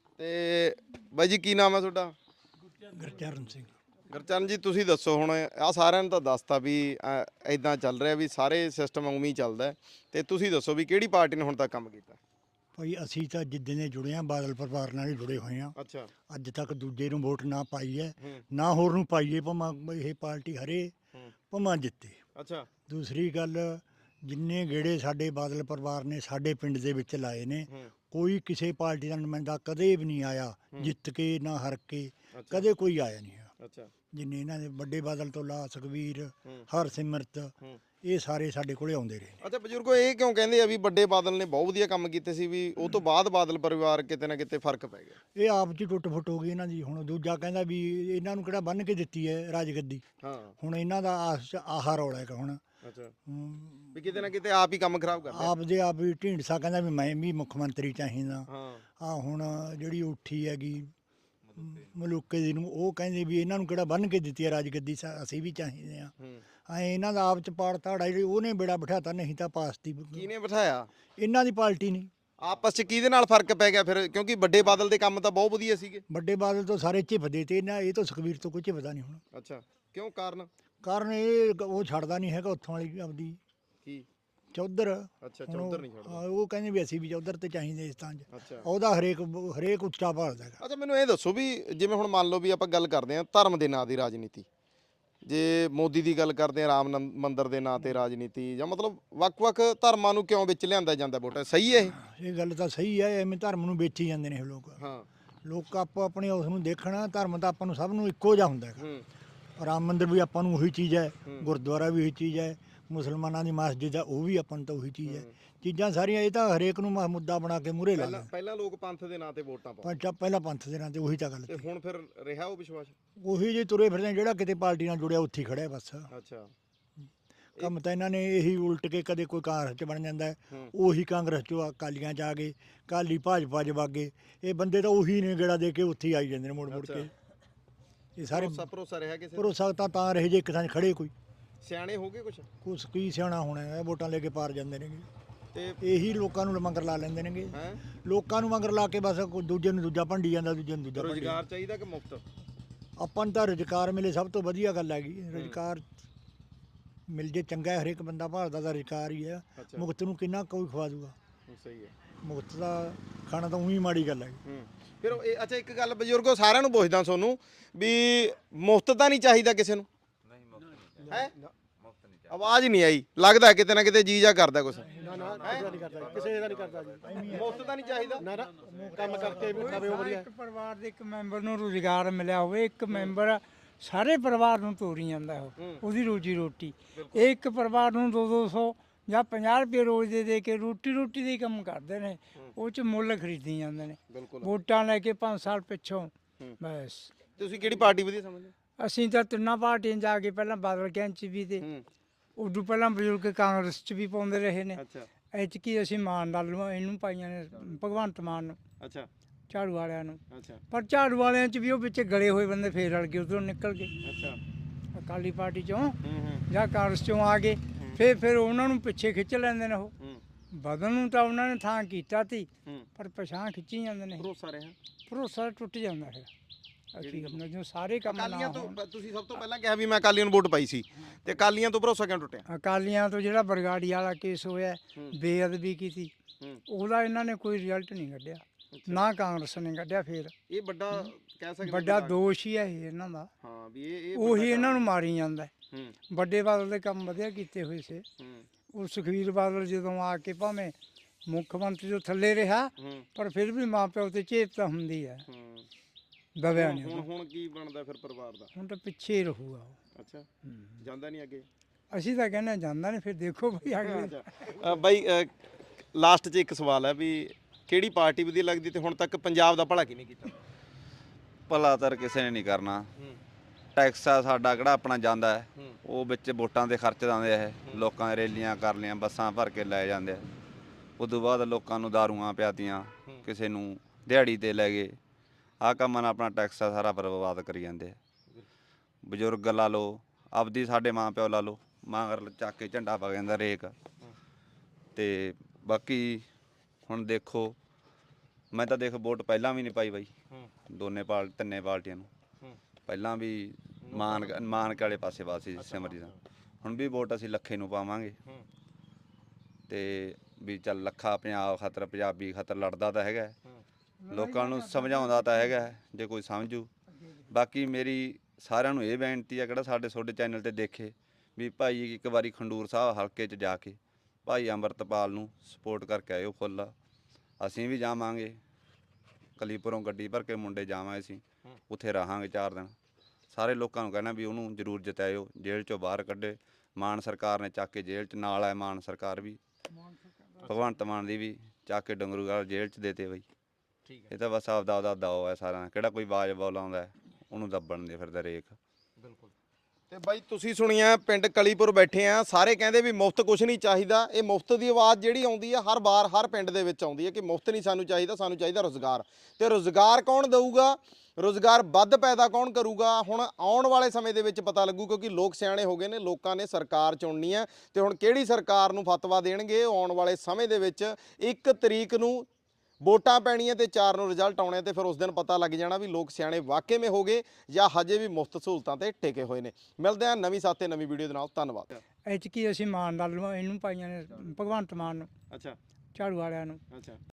A: ਤੇ ਬਾਈ ਜੀ ਕੀ ਨਾਮ ਹੈ ਤੁਹਾਡਾ
B: ਗੁਰਚਰਨ ਸਿੰਘ
A: ਗੁਰਚਰਨ ਜੀ ਤੁਸੀਂ ਦੱਸੋ ਹੁਣ ਆ ਸਾਰਿਆਂ ਨੂੰ ਤਾਂ ਦੱਸਤਾ ਵੀ ਐਦਾਂ ਚੱਲ ਰਿਹਾ ਵੀ ਸਾਰੇ ਸਿਸਟਮ ਉਵੇਂ ਹੀ ਚੱਲਦਾ ਤੇ ਤੁਸੀਂ ਦੱਸੋ ਵੀ ਕਿਹੜੀ ਪਾਰਟੀ ਨੇ ਹੁਣ ਤੱਕ ਕੰਮ ਕੀਤਾ
B: ਭਾਈ ਅਸੀਂ ਤਾਂ ਜਿੱਦਾਂ ਦੇ ਜੁੜੇ ਆ ਬਾਦਲ ਪਰਿਵਾਰ ਨਾਲ ਹੀ ਜੁੜੇ ਹੋਏ ਆ
A: ਅੱਛਾ
B: ਅੱਜ ਤੱਕ ਦੂਜੇ ਨੂੰ ਵੋਟ ਨਾ ਪਾਈ ਹੈ
A: ਹੂੰ।
B: ਨਾ ਹੋਰ ਨੂੰ ਪਾਈਏ ਭਾਵੇਂ ਇਹ ਪਾਰਟੀ ਹਰੇ
A: ਹੂੰ।
B: ਭਾਵੇਂ ਜਿੱਤੇ।
A: ਅੱਛਾ
B: ਦੂਸਰੀ ਗੱਲ ਜਿੰਨੇ ਗੇੜੇ ਸਾਡੇ ਬਾਦਲ ਪਰਿਵਾਰ ਨੇ ਸਾਡੇ ਪਿੰਡ ਦੇ ਵਿੱਚ ਲਾਏ ਨੇ
A: ਹੂੰ।
B: ਕੋਈ ਕਿਸੇ ਪਾਰਟੀ ਦਾ ਨੁਮਾਇੰਦਾ ਕਦੇ ਵੀ ਨਹੀਂ ਆਇਆ ਜਿੱਤ ਕੇ ਨਾ ਹਾਰ ਕੇ
A: ਅੱਛਾ
B: ਕਦੇ ਕੋਈ ਆਇਆ ਨਹੀਂ ਹੈ।
A: ਅੱਛਾ
B: ਜਿੰਨੇ ਇਹਨਾਂ ਦੇ ਵੱਡੇ ਬਾਦਲ ਤੋਂ ਲਾ ਸੁਖਵੀਰ
A: ਹੂੰ।
B: ਹਰਸਿਮਰਤ
A: ਹੂੰ।
B: ਇਹ ਸਾਰੇ ਸਾਡੇ ਕੋਲੇ ਆਉਂਦੇ ਰਹੇ ਨੇ।
A: ਅੱਛਾ ਬਜ਼ੁਰਗੋ ਇਹ ਕਿਉਂ ਕਹਿੰਦੇ ਆ ਵੀ ਵੱਡੇ ਬਾਦਲ ਨੇ ਬਹੁਤ ਵਧੀਆ ਕੰਮ ਕੀਤੇ ਸੀ ਵੀ ਉਹ ਤੋਂ ਬਾਅਦ ਬਾਦਲ ਪਰਿਵਾਰ ਕਿਤੇ ਨਾ ਕਿਤੇ ਫਰਕ ਪੈ ਗਿਆ
B: ਇਹ ਆਪ ਚ ਹੀ ਟੁੱਟ ਫੁੱਟ ਹੋ ਗਈ ਇਹਨਾਂ ਦੀ। ਹੁਣ ਦੂਜਾ ਕਹਿੰਦਾ ਵੀ ਇਹਨਾਂ ਨੂੰ ਕਿਹੜਾ ਬੰਨ ਕੇ ਦਿੱਤੀ ਹੈ ਰਾਜਗੱਦੀ।
A: ਹਾਂ
B: ਹੁਣ ਇਹਨਾਂ ਦਾ ਆਸ ਚ ਆਹਾ ਰੌਲਾ ਹੈਗਾ ਹੁਣ
A: ਅੱਛਾ
B: ਹਮ,
A: ਵੀ ਕਿਤੇ ਨਾ ਕਿਤੇ ਆਪ ਹੀ ਕੰਮ ਖਰਾਬ ਕਰ ਲਿਆ
B: ਆਪ ਦੇ ਆਪ ਹੀ ਢੀਂਡਸਾ ਕਹਿੰਦਾ ਵੀ ਮੈਂ ਵੀ ਮੁੱਖ ਮੰਤਰੀ ਚਾਹੀਦਾ।
A: ਹਾਂ
B: ਆ ਹੁਣ ਜਿਹੜੀ ਉੱਠੀ ਹੈਗੀ ਮਲੂਕੇ ਦੀ ਨੂੰ ਉਹ ਕਹਿੰਦੇ ਵੀ ਇਹਨਾਂ ਨੂੰ ਕਿਹੜਾ ਬੰਨ ਕੇ ਦਿੱਤੀ ਹੈ ਰਾਜਗੱਦੀ ਸਾ- ਅਸੀਂ ਵੀ ਚਾਹੀਦੇ ਆ।
A: ਹੂੰ
B: ਐ ਇਹਨਾਂ ਦਾ ਆਪ ਚ ਪਾੜ ਤਾੜਾ ਜਿਹੜੀ ਉਹਨੇ ਬੇੜਾ ਬਿਠਾਤਾ ਨਹੀਂ ਤਾਂ ਪਾਸ ਦੀ
A: ਕਿਹਨੇ ਬਿਠਾਇਆ
B: ਇਹਨਾਂ ਦੀ ਪਾਰਟੀ ਨਹੀਂ।
A: ਆਪਸ ਚ ਕਿਹਦੇ ਨਾਲ ਫਰਕ ਪੈ ਗਿਆ ਫਿਰ ਕਿਉਂਕਿ ਵੱਡੇ ਬਾਦਲ ਦੇ ਕੰਮ ਤਾਂ ਬਹੁਤ ਵਧੀਆ ਸੀਗੇ
B: ਵੱਡੇ ਬਾਦਲ ਤੋਂ ਸਾਰੇ ਝਿਪਦੇ ਤੇ ਇਹਨਾਂ ਇਹ ਤੋਂ ਸੁਖਵੀਰ ਤੋਂ ਕੋਈ ਝਿਪਦਾ ਨਹੀਂ ਹੁਣ।
A: ਅੱਛਾ ਕਿਉਂ ਕਾਰਨ
B: ਕਾਰਨ ਇਹ ਉਹ ਛੱਡਦਾ ਨਹੀਂ ਹੈਗਾ ਉੱਥੋਂ ਵਾਲੀ ਆਪਦੀ
A: ਕੀ
B: ਚੌਧਰ।
A: ਅੱਛਾ
B: ਹੁਣ ਉਹ-
A: ਚੌਧਰ ਨਹੀਂ ਛੱਡਦਾ
B: ਹਾਂ, ਉਹ ਕਹਿੰਦੇ ਵੀ ਅਸੀਂ ਵੀ ਚੌਧਰ ਤੇ ਚਾਹੀਦੇ ਇਸ ਤਾਂ 'ਚ
A: ਅੱਛਾ
B: ਉਹਦਾ ਹਰੇਕ ਹਰੇਕ ਉੱਚਾ ਭਾਲਦਾ ਹੈਗਾ।
A: ਅੱਛਾ ਮੈਨੂੰ ਇਹ ਦੱਸੋ ਵੀ ਜਿਵੇਂ ਹੁਣ ਮੰਨ ਲਓ ਵੀ ਆਪਾਂ ਗੱਲ ਕਰਦੇ ਹਾਂ ਧਰਮ ਦੇ ਨਾਂ ਦੀ ਰਾਜਨੀਤੀ ਜੇ ਮੋਦੀ ਦੀ ਗੱਲ ਕਰਦੇ ਹਾਂ ਰਾਮ ਨੰ- ਮੰਦਿਰ ਦੇ ਨਾਂ ਤੇ ਰਾਜਨੀਤੀ ਜਾਂ ਮਤਲਬ ਵੱਖ-ਵੱਖ ਧਰਮਾਂ ਨੂੰ ਕਿਉਂ ਵਿੱਚ ਲਿਆਂਦਾ ਜਾਂਦਾ ਵੋਟਾਂ ਸਹੀ ਹੈ ਇਹ
B: ਇਹ ਗੱਲ ਤਾਂ ਸਹੀ ਹੈ ਐਵੇਂ ਧਰਮ ਨੂੰ ਵੇਚੀ ਜਾਂਦੇ ਨੇ ਇਹ ਲੋਕ।
A: ਹਾਂ
B: ਲੋਕ ਆਪੋ ਆਪਣੇ ਉਸ ਨੂੰ ਦੇਖਣਾ ਧਰਮ ਤਾਂ ਆਪਾਂ ਨੂੰ ਸਭ ਨੂੰ ਇੱਕੋ ਜਿਹਾ ਹੁੰਦਾ ਹੈਗਾ।
A: ਹੂੰ
B: ਰਾਮ ਮੰਦਿਰ ਵੀ ਆਪਾਂ ਨੂੰ ਉਹੀ ਚੀਜ਼ ਹੈ
A: ਹੂੰ।
B: ਗੁਰਦੁਆਰਾ ਵੀ ਉਹੀ ਚੀਜ਼ ਹੈ ਮੁਸਲਮਾਨਾਂ ਦੀ ਮਸਜਿਦ ਹੈ ਉਹ ਵੀ ਆਪਾਂ ਨੂੰ ਤਾਂ ਉਹੀ ਚੀਜ਼ ਹੈ। ਚੀਜ਼ਾਂ ਸਾਰੀਆਂ ਇਹ ਤਾਂ ਹਰੇਕ ਨੂੰ ਮ- ਮੁੱਦਾ ਬਣਾ ਕੇ ਮੂਹਰੇ ਲਾ
A: ਪਹਿਲਾਂ
B: ਲੈਂਦੇ।
A: ਪਹਿਲਾਂ ਲੋਕ ਪੰਥ ਦੇ ਨਾਂ ਤੇ ਵੋਟਾਂ ਪਾਉਂਦੇ
B: ਪਰ ਜਦ ਪਹਿਲਾਂ ਪੰਥ ਦੇ ਨਾਂ ਤੇ ਉਹੀ ਤਾਂ ਗੱਲ
A: ਤੇ
B: ਸੀ।
A: ਹੁਣ ਫਿਰ ਰਿਹਾ ਉਹ ਵਿਸ਼ਵਾਸ
B: ਉਹੀ ਜੇ ਤੁਰੇ ਫਿਰਦੇ ਜਿਹੜਾ ਕਿਤੇ ਪਾਰਟੀ ਨਾਲ ਜੁੜਿਆ ਉੱਥੇ ਹੀ ਖੜਿਆ ਬਸ।
A: ਅੱਛਾ
B: ਕੰਮ ਤਾਂ ਇਹਨਾਂ ਨੇ ਇਹੀ ਉਲਟ ਕੇ ਕਦੇ ਕੋਈ ਕਾਂਗਰਸ ਚ ਬਣ ਜਾਂਦਾ ਹੈ,
A: ਹੂੰ।
B: ਉਹੀ ਕਾਂਗਰਸ ਚੋਂ ਅਕਾਲੀਆਂ ਚ ਆ ਗਏ ਕਾਲੀ ਭਾਜਪਾ ਚ ਵਗ ਗਏ। ਇਹ ਬੰਦੇ ਤਾਂ ਉਹੀ ਨੇ ਗੇੜਾ ਦੇ ਕੇ ਉੱਥੇ ਹੀ ਆਈ ਜਾਂਦੇ ਨੇ ਮੁੜ ਮੁੜ ਕੇ। ਇਹ ਸਾਰੇ
A: ਭਰੋਸਾ ਭਰੋਸਾ ਰਿਹਾ ਕਿਸੇ ਤੇ?
B: ਭਰੋਸਾ ਤਾਂ ਤਾਂ ਰਹੇ ਜੇ ਇੱਕ ਥਾਂ 'ਚ ਖੜੇ ਕੋਈ
A: ਸਿਆਣੇ ਹੋ ਗਏ ਕੁਛ
B: ਕੁਛ ਕੀ ਸਿਆਣਾ ਹੋਣਾ ਹੈ ਵੋਟਾਂ ਲੈ ਕੇ ਪਾਰ ਜਾਂਦੇ ਨੇਗੇ।
A: ਤੇ
B: ਇਹੀ ਲੋਕਾਂ ਨੂੰ ਮੰਗਰ ਲਾ ਲੈਂਦੇ ਨੇਗੇ।
A: ਹੈ
B: ਲੋਕਾਂ ਨੂੰ ਮੰਗਰ ਲਾ ਕੇ ਬਸ ਕੋਈ ਦੂਜੇ ਨੂੰ ਦੂਜਾ ਭੰਡੀ ਜਾਂਦਾ ਦੂਜੇ ਨੂੰ ਦੂਜਾ ਭੰਡੀ ਜਾਂਦਾ।
A: ਰੋਜ਼ਗਾਰ ਚਾਹੀਦਾ ਕਿ ਮੁਫਤ
B: ਆਪਾਂ ਨੂੰ ਤਾਂ ਰੁਜ਼ਗਾਰ ਮਿਲੇ ਸਭ ਤੋਂ ਵਧੀਆ ਗੱਲ ਹੈਗੀ। ਰੁਜ਼ਗਾਰ ਮਿਲ ਜੇ ਚੰਗਾ ਹੈ, ਹਰੇਕ ਬੰਦਾ ਭਾਲਦਾ ਦਾ ਰੁਜ਼ਗਾਰ ਹੀ ਹੈ।
A: ਅੱਛਾ।
B: ਮੁਕਤ ਨੂੰ ਕਿੰਨਾ ਕੋਈ ਖਵਾ ਦੂਗਾ।
A: ਸਹੀ ਹੈ
B: ਮੁਕਤ ਦਾ ਖਾਣਾ ਤਾਂ ਉਹੀ ਮਾੜੀ ਗੱਲ ਹੈ।
A: ਹੂੰ ਫਿਰ ਉਹ ਇਹ ਅੱਛਾ ਇੱਕ ਗੱਲ ਬਜ਼ੁਰਗੋ ਸਾਰਿਆਂ ਨੂੰ ਪੁੱਛਦਾ ਤੁਹਾਨੂੰ ਵੀ ਮੁਫਤ ਤਾਂ ਨਹੀਂ ਚਾਹੀਦਾ ਕਿਸੇ ਨੂੰ ਹੈ ਆਵਾਜ਼ ਨਹੀਂ ਆਈ ਲੱਗਦਾ ਕਿਤੇ ਨਾ ਕਿਤੇ ਜੀ ਜਾ ਕਰਦਾ ਕੁਛ
C: ਨਾ ਨਾ ਕਿਸੇ ਦਾ ਨਹੀਂ ਕਰਦਾ ਕਿਸੇ ਦਾ ਨਹੀਂ ਕਰਦਾ ਜੀ
A: ਮੁਫਤ ਤਾਂ ਨਹੀਂ ਚਾਹੀਦਾ
C: ਨਾ ਨਾ ਕੰਮ ਕਰਕੇ ਵੀ ਖਾਵੇ ਉਹ ਵਧੀਆ
G: ਇੱਕ ਪਰਿਵਾਰ ਦੇ ਇੱਕ ਮੈਂਬਰ ਨੂੰ ਰੁਜ਼ਗਾਰ ਮਿਲਿਆ ਹੋਵੇ ਇੱਕ ਮੈਂਬਰ ਸਾਰੇ ਪਰਿਵਾਰ ਨੂੰ ਤੋਰੀ ਜਾਂਦਾ ਉਹ ਉਹਦੀ ਰੋਜੀ ਰੋਟੀ ਇਹ ਇੱਕ ਪਰਿਵਾਰ ਨੂੰ ਦੋ ਦੋ ਸੌ ਜਾਂ ਪੰਜਾਹ ਰੁਪਏ ਰੋਜ਼ ਦੇ ਦੇ ਕੇ ਰੋਟੀ ਰੋਟੀ ਦੇ ਹੀ ਕੰਮ ਕਰਦੇ ਨੇ ਉਹ ਚ ਮੁੱਲ ਖਰੀਦੀ ਜਾਂਦੇ ਨੇ
A: ਬਿਲਕੁਲ
G: ਵੋਟਾਂ ਲੈ ਕੇ ਪੰਜ ਸਾਲ ਪਿੱਛੋਂ ਬਸ
A: ਤੁਸੀਂ ਕਿਹੜੀ ਪਾਰਟੀ ਵਧੀਆ ਸਮਝਦੇ
G: ਅਸੀਂ ਤਾਂ ਤਿੰਨਾਂ ਪਾਰਟੀਆਂ ਜਾ ਕੇ ਪਹਿਲਾਂ ਬਾਦਲ ਕੈਂਪ ਚ ਵੀ ਤੇ
A: ਹੂੰ
G: ਉਦੋਂ ਪਹਿਲਾਂ ਬਜ਼ੁਰਗ ਕਾਂਗਰਸ ਚ ਵੀ ਪਾਉਂਦੇ ਰਹੇ ਨੇ
A: ਅੱਛਾ
G: ਐਤਕੀ ਅਸੀਂ ਮਾਨ ਨਾਲ ਇਹਨੂੰ ਪਾਈਆਂ ਨੇ ਭਗਵੰਤ ਮਾਨ ਨੂੰ
A: ਅੱਛਾ
G: ਝਾੜੂ ਵਾਲਿਆਂ ਨੂੰ
A: ਅੱਛਾ
G: ਪਰ ਝਾੜੂ ਵਾਲਿਆਂ ਚ ਵੀ ਉਹ ਵਿੱਚ ਗਲੇ ਹੋਏ ਬੰਦੇ ਫੇਰ ਰਲ ਗਏ ਉਧਰੋਂ ਨਿਕਲ ਗਏ
A: ਅੱਛਾ
G: ਅਕਾਲੀ ਪਾਰਟੀ ਚੋਂ
A: ਹੂੰ ਹੂੰ
G: ਜਾਂ ਕਾਂਗਰਸ ਚੋਂ ਆ ਗਏ ਫੇਰ ਫਿਰ ਉਹਨਾਂ ਨੂੰ ਪਿੱਛੇ ਖਿੱਚ ਲੈਂਦੇ ਨੇ ਉਹ
A: ਹੂੰ
G: ਬਦਲ ਨੂੰ ਤਾਂ ਉਹਨਾਂ ਨੇ ਥਾਂ ਕੀਤਾ ਤੀ
A: ਹੂੰ
G: ਪਰ ਪਛਾਣ ਖਿੱਚੀ ਜਾਂਦੇ ਨੇ
A: ਭਰੋਸਾ ਰਿਹਾ
G: ਭਰੋਸਾ ਟੁੱਟ ਜਾਂਦਾ ਫਿਰ ਅਸੀਂ ਕਹਿੰਦੇ ਜੋ ਸਾਰੇ ਕੰਮ ਨਾ
A: ਅਕਾਲੀਆਂ
G: ਹੋਣ।
A: ਤੋਂ ਤੁਸੀਂ ਸਭ ਤੋਂ ਪਹਿਲਾਂ ਕਿਹਾ ਵੀ ਮੈਂ ਅਕਾਲੀਆਂ ਨੂੰ ਵੋਟ ਪਾਈ ਸੀ ਤੇ ਅਕਾਲੀਆਂ ਤੋਂ ਭਰੋਸਾ ਕਿਉਂ ਟੁੱਟਿਆ
G: ਅਕਾਲੀਆਂ ਤੋਂ ਜਿਹੜਾ ਬਰਗਾੜੀ ਵਾਲਾ ਕੇਸ ਹੋਇਆ
A: ਹੂੰ।
G: ਬੇਅਦਬੀ ਕੀਤੀ
A: ਹੂੰ
G: ਉਹਦਾ ਇਹਨਾਂ ਨੇ ਕੋਈ ਰਿਜ਼ਲਟ ਨਹੀਂ ਕੱਢਿਆ ਨਾ ਕਾਂਗਰਸ ਨੇ ਕੱਢਿਆ ਫੇਰ
A: ਇਹ ਵੱਡਾ ਕਹਿ ਸਕਦੇ
G: ਵੱਡਾ ਦੋਸ਼ ਹੀ ਹੈ ਇਹ ਇਹਨਾਂ ਦਾ
A: ਹਾਂ ਵੀ ਇਹ ਇਹ
G: ਉਹੀ ਇਹਨਾਂ ਨੂੰ ਮਾਰੀ ਜਾਂਦਾ ਹੈ।
A: ਹੂੰ
G: ਵੱਡੇ ਬਾਦਲ ਦੇ ਕੰਮ ਵਧੀਆ ਕੀਤੇ ਹੋਏ ਸੀ
A: ਹੂੰ
G: ਉਹ ਸੁਖਵੀਰ ਬਾਦਲ ਜਦੋਂ ਆ ਕੇ ਭਾਵੇਂ ਮੁੱਖ ਮੰਤਰੀ ਤੋਂ ਥੱਲੇ ਰਿਹਾ
A: ਹੂੰ
G: ਪਰ ਫਿਰ ਵੀ ਮਾਂ ਪਿਓ ਤੇ ਚੇਪ ਤਾਂ ਹੁੰਦੀ ਹੈ
A: ਹੂੰ
G: ਦਬਿਆ
A: ਹੁਣ
G: ਨਹੀਂ
A: ਹੁਣ
G: ਉਹਦਾ।
A: ਹੁਣ ਕੀ ਬਣਦਾ ਫਿਰ ਪਰਿਵਾਰ ਦਾ
G: ਹੁਣ ਤਾਂ ਪਿੱਛੇ ਹੀ ਰਹੂਗਾ ਉਹ।
A: ਅੱਛਾ ਜਾਂਦਾ ਨਹੀਂ ਅੱਗੇ
G: ਅਸੀਂ ਤਾਂ ਕਹਿੰਦੇ ਜਾਂਦਾ ਨਹੀਂ ਫਿਰ ਦੇਖੋ ਬਈ ਅਗਲੇ
A: ਅ, ਬਾਈ ਲਾਸਟ 'ਚ ਇੱਕ ਸਵਾਲ ਹੈ ਵੀ ਕਿਹੜੀ ਪਾਰਟੀ ਵਧੀਆ ਲੱਗਦੀ ਤੇ ਹੁਣ ਤੱਕ ਪੰਜਾਬ ਦਾ ਭਲਾ ਕਿਹਨੇ ਕੀਤਾ
H: ਭਲਾ ਤਾਂ ਕਿਸੇ ਨੇ ਨਹੀਂ ਕਰਨਾ
A: ਹੂੰ
H: ਟੈਕਸ ਆ ਸਾਡਾ ਕਿਹੜਾ ਆਪਣਾ ਜਾਂਦਾ ਹੈ
A: ਹੂੰ
H: ਉਹ ਵਿੱਚ ਵੋਟਾਂ ਦੇ ਖਰਚ ਦਿੰਦੇ ਆ ਇਹ ਲੋਕਾਂ ਦੇ ਰੈਲੀਆਂ ਕਰ ਲਿਆਂ ਬੱਸਾਂ ਭਰ ਕੇ ਲੈ ਜਾਂਦੇ ਆ ਉਦੋਂ ਬਾਅਦ ਲੋਕਾਂ ਨੂੰ ਦਾਰੂਆਂ ਪਿਆਤੀਆਂ ਕਿਸੇ ਨੂੰ ਦਿਹਾੜੀ ਤੇ ਲੈ ਗਏ ਆਹ ਕੰਮਾਂ ਨਾਲ ਆਪਣਾ ਟੈਕਸ ਆ ਸਾਰਾ ਬਰਬਾਦ ਕਰੀ ਜਾਂਦੇ ਆ। ਬਜ਼ੁਰਗ ਲਾ ਲਓ, ਆਪਦੀ ਸਾਡੇ ਮਾਂ ਪਿਓ ਲਾ ਲਓ, ਮਾਂ ਚੱਕ ਕੇ ਝੰਡਾ ਪਾ ਜਾਂਦਾ ਰੇਕ। ਤੇ ਬਾਕੀ ਹੁਣ ਦੇਖੋ, ਮੈਂ ਤਾਂ ਦੇਖ ਵੋਟ ਪਹਿਲਾਂ ਵੀ ਨਹੀਂ ਪਾਈ ਬਾਈ, ਦੋਨੇ ਪਾਲ ਤਿੰਨੇ ਪਾਰਟੀਆਂ ਨੂੰ। ਪਹਿਲਾਂ ਵੀ ਮਾਨ ਮਾਨਕ ਵਾਲੇ ਪਾਸੇ ਪਾਸੇ ਸਿਮਰਜੀਤ ਦਾ, ਹੁਣ ਵੀ ਵੋਟ ਅਸੀਂ ਲੱਖੇ ਨੂੰ ਪਾਵਾਂਗੇ। ਤੇ ਵੀ ਚੱਲ ਲੱਖਾ ਪੰਜਾਬ ਖਾਤਰ, ਪੰਜਾਬੀ ਖਾਤਰ ਲੜਦਾ ਤਾਂ ਹੈਗਾ, ਲੋਕਾਂ ਨੂੰ ਸਮਝਾਉਂਦਾ ਤਾਂ ਹੈਗਾ ਜੇ ਕੋਈ ਸਮਝੂ। ਬਾਕੀ ਮੇਰੀ ਸਾਰਿਆਂ ਨੂੰ ਇਹ ਬੇਨਤੀ ਆ, ਕਿਹੜਾ ਸਾਡੇ ਤੁਹਾਡੇ ਚੈਨਲ ਤੇ ਦੇਖੇ, ਵੀ ਭਾਈ ਇੱਕ ਵਾਰੀ ਖੰਡੂਰ ਸਾਹਿਬ ਹਲਕੇ 'ਚ ਜਾ ਕੇ ਭਾਈ ਅੰਮ੍ਰਿਤਪਾਲ ਨੂੰ ਸਪੋਰਟ ਕਰਕੇ ਆਇਓ ਫੁੱਲ। ਅਸੀਂ ਵੀ ਜਾਵਾਂਗੇ, ਕਲੀਪੁਰੋਂ ਗੱਡੀ ਭਰ ਕੇ ਮੁੰਡੇ ਜਾਵਾਂਗੇ, ਅਸੀਂ ਉੱਥੇ ਰਹਾਂਗੇ ਚਾਰ ਦਿਨ। ਸਾਰੇ ਲੋਕਾਂ ਨੂੰ ਕਹਿਣਾ ਵੀ ਉਹਨੂੰ ਜ਼ਰੂਰ ਜਿਤਾਇਓ, ਜੇਲ੍ਹ 'ਚੋਂ ਬਾਹਰ ਕੱਢੇ। ਮਾਨ ਸਰਕਾਰ ਨੇ ਚੱਕ ਕੇ ਜੇਲ੍ਹ 'ਚ ਨਾਲ ਹੈ, ਮਾਨ ਸਰਕਾਰ ਵੀ, ਭਗਵੰਤ ਮਾਨ ਦੀ ਵੀ ਚੱਕ ਕੇ ਡੰਗਰੂਵਾਲ ਜੇਲ੍ਹ 'ਚ ਦੇਤੇ ਬਈ। ਇਹ ਤਾਂ ਬਸ ਆਪਦਾ ਆਪਦਾ ਦਾਓ ਹੈ ਸਾਰਿਆਂ ਦਾ, ਕਿਹੜਾ ਕੋਈ ਬਾਜ ਬੋਲ ਆਉਂਦਾ ਉਹਨੂੰ ਦੱਬਣ ਦੇ ਫਿਰਦਾ ਰੇਖ।
A: ਬਿਲਕੁਲ। ਤੇ ਬਾਈ ਤੁਸੀਂ ਸੁਣੀਆ, ਪਿੰਡ ਕਲੀਪੁਰ ਬੈਠੇ ਆ, ਸਾਰੇ ਕਹਿੰਦੇ ਵੀ ਮੁਫਤ ਕੁਝ ਨਹੀਂ ਚਾਹੀਦਾ। ਇਹ ਮੁਫਤ ਦੀ ਆਵਾਜ਼ ਜਿਹੜੀ ਆਉਂਦੀ ਆ ਹਰ ਵਾਰ ਹਰ ਪਿੰਡ ਦੇ ਵਿੱਚ ਆਉਂਦੀ ਹੈ ਕਿ ਮੁਫਤ ਨਹੀਂ ਸਾਨੂੰ ਚਾਹੀਦਾ, ਸਾਨੂੰ ਚਾਹੀਦਾ ਰੁਜ਼ਗਾਰ। ਤੇ ਰੁਜ਼ਗਾਰ ਕੌਣ ਦੇਊਗਾ, ਰੁਜ਼ਗਾਰ ਵੱਧ ਪੈਦਾ ਕੌਣ ਕਰੂਗਾ, ਹੁਣ ਆਉਣ ਵਾਲੇ ਸਮੇਂ ਦੇ ਵਿੱਚ ਪਤਾ ਲੱਗੂ, ਕਿਉਂਕਿ ਲੋਕ ਸਿਆਣੇ ਹੋ ਗਏ ਨੇ, ਲੋਕਾਂ ਨੇ ਸਰਕਾਰ ਚੁਣਨੀ ਹੈ। ਤੇ ਹੁਣ ਕਿਹੜੀ ਸਰਕਾਰ ਨੂੰ ਫਤਵਾ ਦੇਣਗੇ ਆਉਣ ਵਾਲੇ ਸਮੇਂ ਦੇ ਵਿੱਚ। ਇੱਕ ਤਰੀਕ ਨੂੰ ਵੋਟਾਂ ਪੈਣੀਆਂ ਤੇ ਚਾਰ ਨੂੰ ਰਿਜ਼ਲਟ ਆਉਣੇ, ਤੇ ਫਿਰ ਉਸ ਦਿਨ ਪਤਾ ਲੱਗ ਜਾਣਾ ਵੀ ਲੋਕ ਸਿਆਣੇ ਵਾਕਈ ਮੇ ਹੋ ਗਏ ਜਾਂ ਹਜੇ ਵੀ ਮੁਫਤ ਸਹੂਲਤਾਂ ਤੇ ਟਿਕੇ ਹੋਏ ਨੇ। ਮਿਲਦੇ ਹਾਂ ਨਵੀਂ ਸਾਥੇ ਨਵੀਂ ਵੀਡੀਓ ਦੇ ਨਾਲ, ਧੰਨਵਾਦ।
G: ਇਹ 'ਚ ਕੀ ਅਸੀਂ ਮਾਨ ਨਾਲ ਇਹਨੂੰ ਪਾਈਆਂ ਨੇ ਭਗਵੰਤ ਮਾਨ ਨੂੰ,
A: ਅੱਛਾ,
G: ਝਾੜੂ ਵਾਲਿਆਂ ਨੂੰ।
A: ਅੱਛਾ।